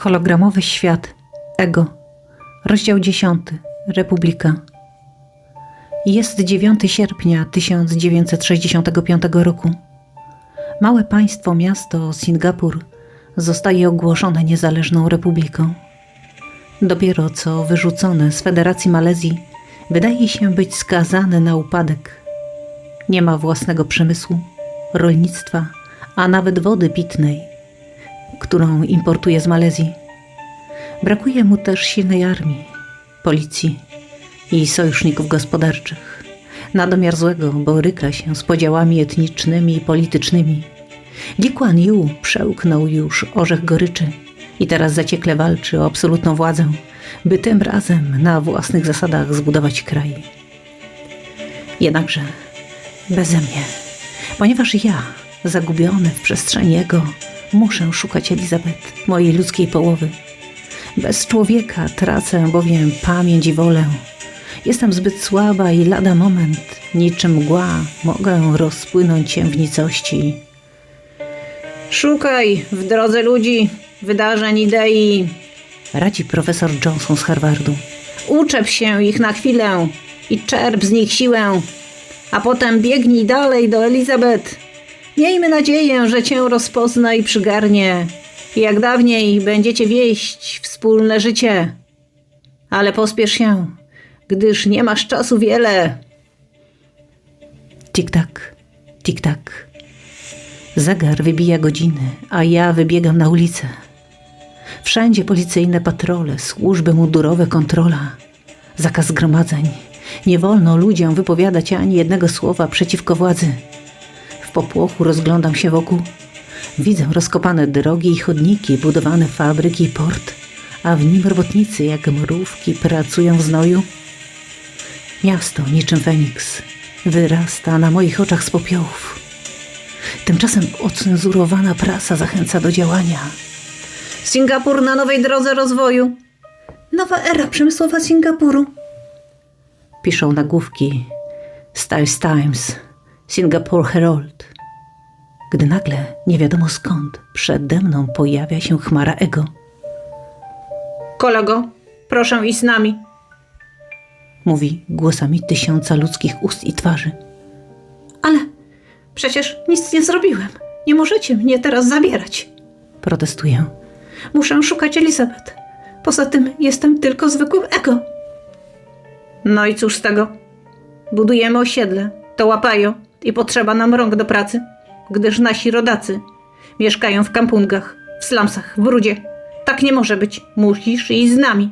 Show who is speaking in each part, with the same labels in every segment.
Speaker 1: Hologramowy świat. Ego. Rozdział 10. Republika. Jest 9 sierpnia 1965 roku. Małe państwo miasto Singapur zostaje ogłoszone niezależną republiką. Dopiero co wyrzucone z Federacji Malezji wydaje się być skazane na upadek. Nie ma własnego przemysłu, rolnictwa, a nawet wody pitnej, którą importuje z Malezji. Brakuje mu też silnej armii, policji i sojuszników gospodarczych. Na domiar złego boryka się z podziałami etnicznymi i politycznymi. Lee Kuan Yew przełknął już orzech goryczy i teraz zaciekle walczy o absolutną władzę, by tym razem na własnych zasadach zbudować kraj. Jednakże beze mnie, ponieważ ja, zagubiony w przestrzeni jego, muszę szukać Elizabeth, mojej ludzkiej połowy. Bez człowieka tracę bowiem pamięć i wolę. Jestem zbyt słaba i lada moment, niczym mgła, mogę rozpłynąć się w nicości.
Speaker 2: Szukaj w drodze ludzi, wydarzeń, idei.
Speaker 1: Radzi profesor Johnson z Harvardu.
Speaker 2: Uczep się ich na chwilę i czerp z nich siłę, a potem biegnij dalej do Elizabeth. Miejmy nadzieję, że cię rozpozna i przygarnie. I jak dawniej będziecie wieść wspólne życie. Ale pospiesz się, gdyż nie masz czasu wiele.
Speaker 1: Tik-tak, tik-tak. Zegar wybija godziny, a ja wybiegam na ulicę. Wszędzie policyjne patrole, służby mundurowe, kontrola. Zakaz zgromadzeń. Nie wolno ludziom wypowiadać ani jednego słowa przeciwko władzy. W popłochu rozglądam się wokół. Widzę rozkopane drogi i chodniki, budowane fabryki i port, a w nim robotnicy jak mrówki pracują w znoju. Miasto niczym Feniks wyrasta na moich oczach z popiołów. Tymczasem ocenzurowana prasa zachęca do działania.
Speaker 2: Singapur na nowej drodze rozwoju. Nowa era przemysłowa Singapuru.
Speaker 1: Piszą nagłówki Styles Times, Singapore Herald. Gdy nagle, nie wiadomo skąd, przede mną pojawia się chmara Ego.
Speaker 2: Kolego, proszę iść z nami.
Speaker 1: Mówi głosami 1000 ludzkich ust i twarzy.
Speaker 2: Ale przecież nic nie zrobiłem. Nie możecie mnie teraz zabierać.
Speaker 1: Protestuję.
Speaker 2: Muszę szukać Elizabeth. Poza tym jestem tylko zwykłym Ego. No i cóż z tego? Budujemy osiedle, to łapają i potrzeba nam rąk do pracy, gdyż nasi rodacy mieszkają w kampungach, w slumsach, w brudzie. Tak nie może być. Musisz iść z nami.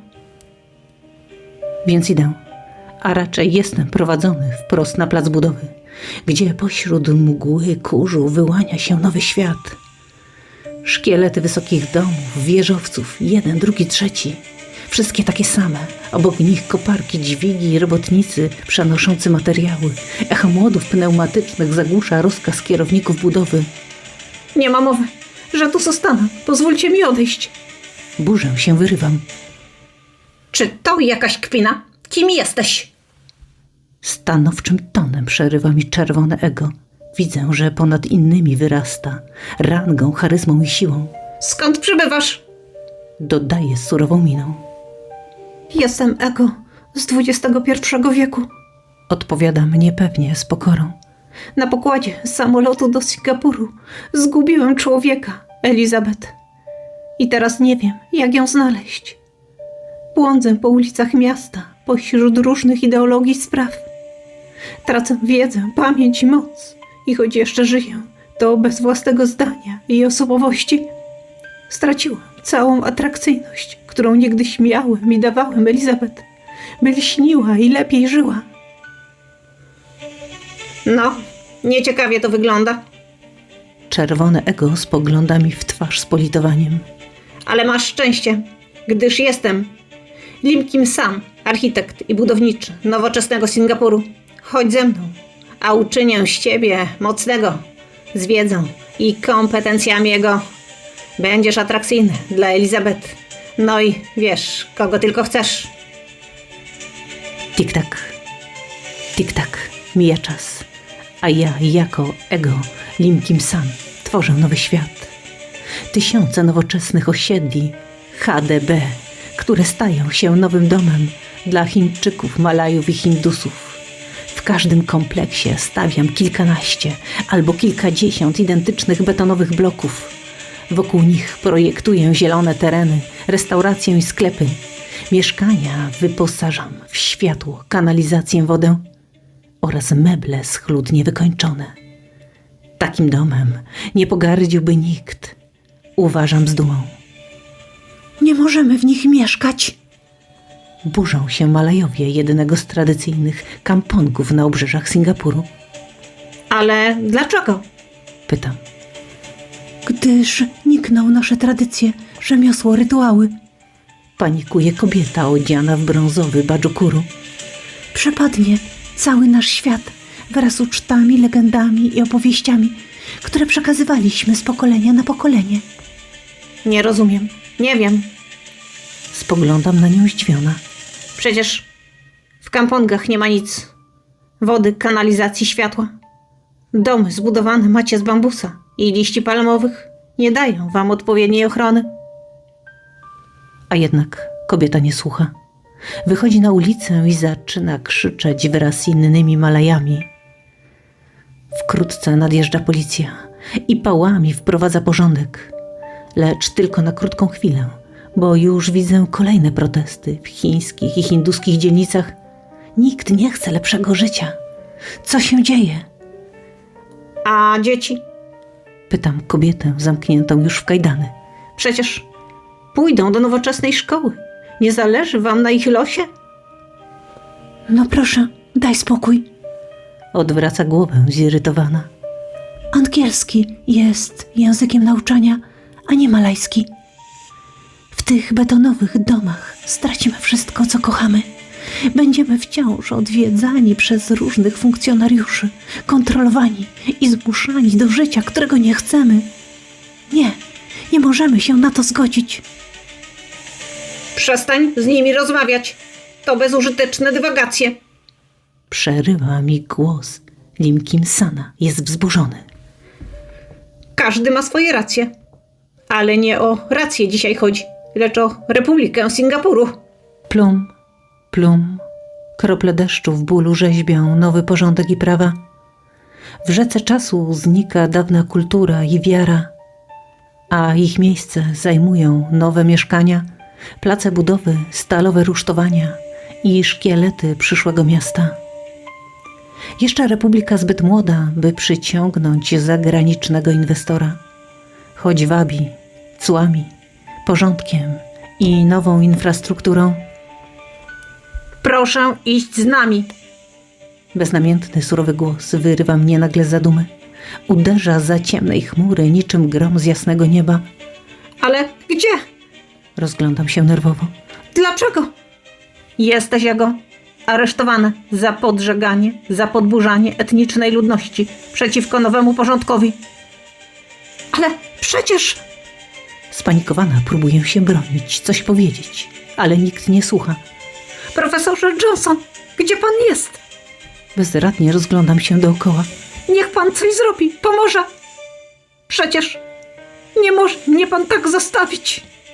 Speaker 1: Więc idę, a raczej jestem prowadzony wprost na plac budowy, gdzie pośród mgły kurzu wyłania się nowy świat. Szkielety wysokich domów, wieżowców, jeden, drugi, trzeci. Wszystkie takie same. Obok nich koparki, dźwigi i robotnicy przenoszący materiały. Echo młodów pneumatycznych zagłusza rozkaz kierowników budowy.
Speaker 2: Nie ma mowy, że tu zostanę. Pozwólcie mi odejść.
Speaker 1: Burzę się, wyrywam.
Speaker 2: Czy to jakaś kpina? Kim jesteś?
Speaker 1: Stanowczym tonem przerywa mi czerwone Ego. Widzę, że ponad innymi wyrasta. Rangą, charyzmą i siłą.
Speaker 2: Skąd przybywasz?
Speaker 1: Dodaje z surową miną.
Speaker 2: Jestem Ego z XXI wieku.
Speaker 1: Odpowiadam niepewnie, z pokorą.
Speaker 2: Na pokładzie samolotu do Singapuru zgubiłem człowieka, Elizabeth. I teraz nie wiem, jak ją znaleźć. Błądzę po ulicach miasta, pośród różnych ideologii i spraw. Tracę wiedzę, pamięć i moc. I choć jeszcze żyję, to bez własnego zdania i osobowości. Straciłam całą atrakcyjność, którą niegdyś miałem i dawałem Elizabeth, by lśniła i lepiej żyła. No, nieciekawie to wygląda.
Speaker 1: Czerwone Ego spogląda mi w twarz z politowaniem.
Speaker 2: Ale masz szczęście, gdyż jestem Lim Kim Sam, architekt i budowniczy nowoczesnego Singapuru. Chodź ze mną, a uczynię z ciebie mocnego, z wiedzą i kompetencjami jego. Będziesz atrakcyjny dla Elizabeth. No i wiesz, kogo tylko chcesz.
Speaker 1: Tik-tak, tik-tak, mija czas. A ja jako Ego Lim Kim Sam tworzę nowy świat. Tysiące nowoczesnych osiedli, HDB, które stają się nowym domem dla Chińczyków, Malajów i Hindusów. W każdym kompleksie stawiam kilkanaście albo kilkadziesiąt identycznych betonowych bloków. Wokół nich projektuję zielone tereny, restauracje i sklepy. Mieszkania wyposażam w światło, kanalizację, wodę oraz meble schludnie wykończone. Takim domem nie pogardziłby nikt. Uważam z dumą.
Speaker 2: Nie możemy w nich mieszkać.
Speaker 1: Burzą się Malajowie, jednego z tradycyjnych kampongów na obrzeżach Singapuru.
Speaker 2: Ale dlaczego?
Speaker 1: Pytam.
Speaker 2: Gdyż nikną nasze tradycje, rzemiosło, rytuały.
Speaker 1: Panikuje kobieta odziana w brązowy badżukuru.
Speaker 2: Przepadnie cały nasz świat wraz z ucztami, legendami i opowieściami, które przekazywaliśmy z pokolenia na pokolenie. Nie rozumiem. Nie wiem.
Speaker 1: Spoglądam na nią zdziwiona.
Speaker 2: Przecież w kampongach nie ma nic. Wody, kanalizacji, światła. Domy zbudowane macie z bambusa i liści palmowych nie dają wam odpowiedniej ochrony.
Speaker 1: A jednak kobieta nie słucha. Wychodzi na ulicę i zaczyna krzyczeć wraz z innymi Malajami. Wkrótce nadjeżdża policja i pałami wprowadza porządek. Lecz tylko na krótką chwilę, bo już widzę kolejne protesty w chińskich i hinduskich dzielnicach. Nikt nie chce lepszego życia. Co się dzieje?
Speaker 2: A dzieci?
Speaker 1: Pytam kobietę zamkniętą już w kajdany.
Speaker 2: Przecież pójdą do nowoczesnej szkoły. Nie zależy wam na ich losie? No proszę, daj spokój.
Speaker 1: Odwraca głowę zirytowana.
Speaker 2: Angielski jest językiem nauczania, a nie malajski. W tych betonowych domach stracimy wszystko, co kochamy. Będziemy wciąż odwiedzani przez różnych funkcjonariuszy, kontrolowani i zmuszani do życia, którego nie chcemy. Nie możemy się na to zgodzić. Przestań z nimi rozmawiać. To bezużyteczne dywagacje.
Speaker 1: Przerywa mi głos. Lim Kim Sana jest wzburzony.
Speaker 2: Każdy ma swoje racje. Ale nie o rację dzisiaj chodzi, lecz o Republikę Singapuru.
Speaker 1: Plum, plum. Krople deszczu w bólu rzeźbią nowy porządek i prawa. W rzece czasu znika dawna kultura i wiara, a ich miejsce zajmują nowe mieszkania, place budowy, stalowe rusztowania i szkielety przyszłego miasta. Jeszcze Republika zbyt młoda, by przyciągnąć zagranicznego inwestora, choć wabi cłami, porządkiem i nową infrastrukturą.
Speaker 2: Proszę iść z nami.
Speaker 1: Beznamiętny, surowy głos wyrywa mnie nagle z zadumy. Uderza za ciemnej chmury niczym grom z jasnego nieba.
Speaker 2: Ale gdzie?
Speaker 1: Rozglądam się nerwowo.
Speaker 2: Dlaczego? Jesteś jego aresztowana za podżeganie, za podburzanie etnicznej ludności przeciwko nowemu porządkowi. Ale przecież...
Speaker 1: Spanikowana próbuję się bronić, coś powiedzieć, ale nikt nie słucha.
Speaker 2: Profesorze Johnson, gdzie pan jest?
Speaker 1: Bezradnie rozglądam się dookoła.
Speaker 2: Niech pan coś zrobi, pomoże. Przecież nie może mnie pan tak zostawić.